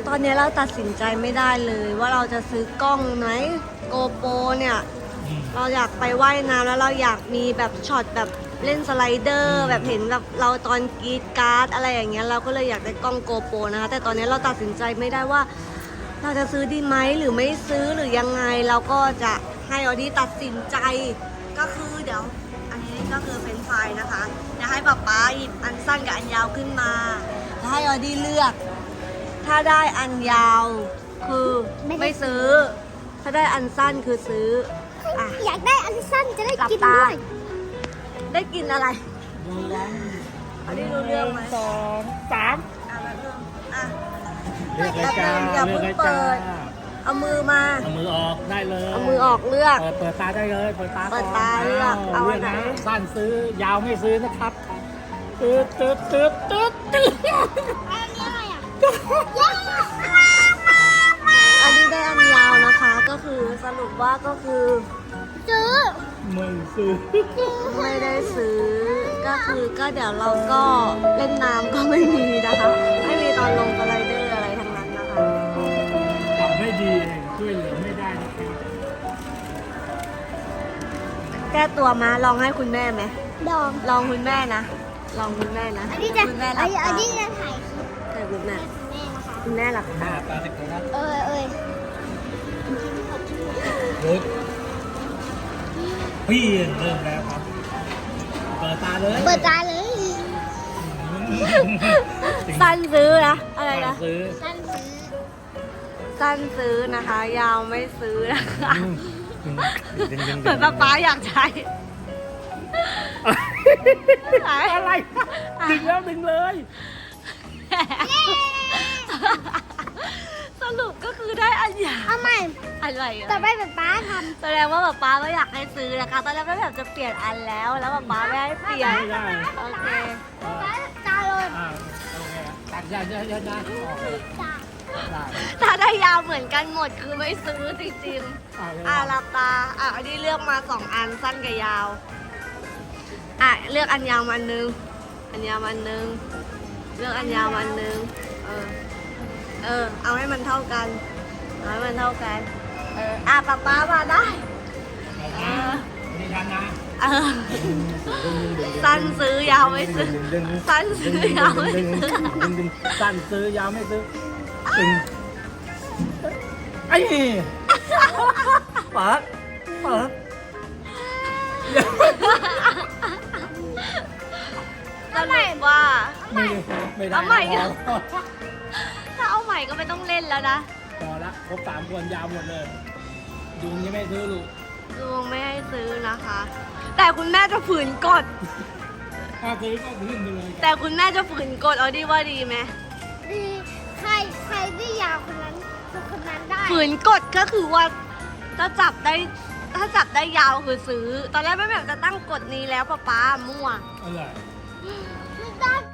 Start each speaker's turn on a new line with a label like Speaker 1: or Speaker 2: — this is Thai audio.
Speaker 1: ตอนนี้เราตัดสินใจไม่ได้เลยว่าเราจะซื้อกล้องไหมโกโปรเนี่ยเราอยากไปว่ายน้ำแล้วเราอยากมีแบบช็อตแบบเล่นสไลเดอร์แบบเห็นแบบเราตอนกรีดการ์ดอะไรอย่างเงี้ยเราก็เลยอยากได้กล้องโกโปรนะคะแต่ตอนนี้เราตัดสินใจไม่ได้ว่าเราจะซื้อดีไหมหรือไม่ซื้อหรือยังไงเราก็จะให้ออดี้ตัดสินใจก็คือเดี๋ยวอันนี้ก็คือเป็นไฟล์นะคะจะให้ป๊าป๊าหยิบอันสั้นกับอันยาวขึ้นมาแล้วให้ออดี้เลือกถ้าได้อันยาวคือไม่ซื้อถ้าได้อันสั้นคือซื้ออ่ะ
Speaker 2: อยากได้อันสั้นจะได้กินด้วย
Speaker 1: ได้กินอะไรอันนี้รู้เรื่องไหม
Speaker 3: 2 3
Speaker 1: อ่ะแบบเรื่องอ่ะ
Speaker 3: เลือกเลยจ้า
Speaker 1: อย่าเพิ่งเปิด เอามือมา
Speaker 3: เอามือออกได้เลย
Speaker 1: เอามือออกเลือก
Speaker 3: เปิดตาได้เลยเปิดตา
Speaker 1: เปิดตาเลือกเอาอันไหน
Speaker 3: เลืกะสั้นซื้อยาวไม่ซื้อนะครับตืด
Speaker 2: อันนี้อะไรอ่ะ
Speaker 1: อันนี้ได้อันยาวนะคะ ก็คือสรุปว่าก็คือ
Speaker 2: ซื้อ
Speaker 3: ไม่ซื้อ
Speaker 1: ไม่ได้ซื้อ ก็คือก็เดี๋ยวเราก็เล่นน้ำก็ไม่มีนะคะ ไม่มีตอนลงสไลเดอร์อะไรทั้งนั้นนะคะ
Speaker 3: ทำไม่ดีเองช่วยเหลือไม่ได้นะครับ
Speaker 1: แก้ตัวมาลองให้คุณแม่ไหม
Speaker 2: ดอง
Speaker 1: ลองคุณแม่นะลองคุณแม่นะ
Speaker 2: อันนี้จะ
Speaker 1: คุณแม่หลับตา
Speaker 2: อันนี้จะถ่ายคลิป
Speaker 1: แต่คุณแม่
Speaker 2: แม่นะคะ
Speaker 1: คุณแม่หลับ
Speaker 3: หน้า
Speaker 1: ตา
Speaker 3: ตาติดเลยนะ
Speaker 2: เอ้ย
Speaker 3: ลุกพี่เริ่มแล้วครับ เปิดตาเลย
Speaker 2: เปิดตาเลย
Speaker 1: สั้นซื้อนะอะไรนะ
Speaker 3: ซื้อ
Speaker 2: สั้นซื้อ
Speaker 1: สั้นซื้อนะคะ ยาวไม่ซื้อนะคะ
Speaker 3: ดึง
Speaker 1: เหมือนป๊าอยากใช้
Speaker 3: อะไรดึงแล้วดึงเลย
Speaker 1: สรุปก็คือได้อันยาว
Speaker 2: เอาใหม่
Speaker 1: อะไรอะ
Speaker 2: ต่อไปเป็นป้าท
Speaker 1: แสดงว่าป๊าไม่อยากให้ซื้อนะคะตอนแรกก็แบบจะเปลี่ยนอันแล้วป๊าไม่ให้เปลี่ยน
Speaker 3: ไม่ได้
Speaker 1: โอเค
Speaker 2: ำป้าตาเลย
Speaker 3: โอเคตัดยาโอเค
Speaker 2: ตา
Speaker 3: ได้
Speaker 1: ถ้าได้ยาวเหมือนกันหมดคือไม่ซื้อจริงๆหลับตาอันนี้เลือกมา2อันสั้นกับยาวเลือกอันยาวมาอันนึงอันยาวมาอันนึงเลือกอันยาวมาอันนึงเอาให้มันเท่ากันเอาให้มันเท่ากันป๊ามาได้
Speaker 3: นี่ทันนะ
Speaker 1: สั้นซื้อยาวไม่ซื้อสั้นซื้อยาวไม่ซื้อ
Speaker 3: สั้นซื้อยาวไม่ซื้อไอ้เปิด
Speaker 1: สรุปว่า
Speaker 3: ไม่ได้
Speaker 1: เอาใหม่เหรอ ถ้าเอาใหม่ก็ไม่ต้องเล่นแล้วนะ
Speaker 3: พอละครบ3 คนยาวหมดเลยยุงยังไม่ซื้อลูก
Speaker 1: ลุงไม่ให้ซื้อนะคะ แต่คุณแม่จะฝืนกฎ
Speaker 3: ถ้าซื้อก็ขึ้นไปเลย
Speaker 1: แต่คุณแม่จะฝืนกฎเอาดีว่าดีไหม
Speaker 2: ดีใครได้ยาวคนนั้นคือคนนั้นได้
Speaker 1: ฝืนกฎก็คือว่าถ้าจับได้ยาวคือซื้อ ตอนแรกแม่แบบจะตั้งกฎนี้แล้วป๊ามั่ว
Speaker 3: อะไร
Speaker 2: ไม่ได้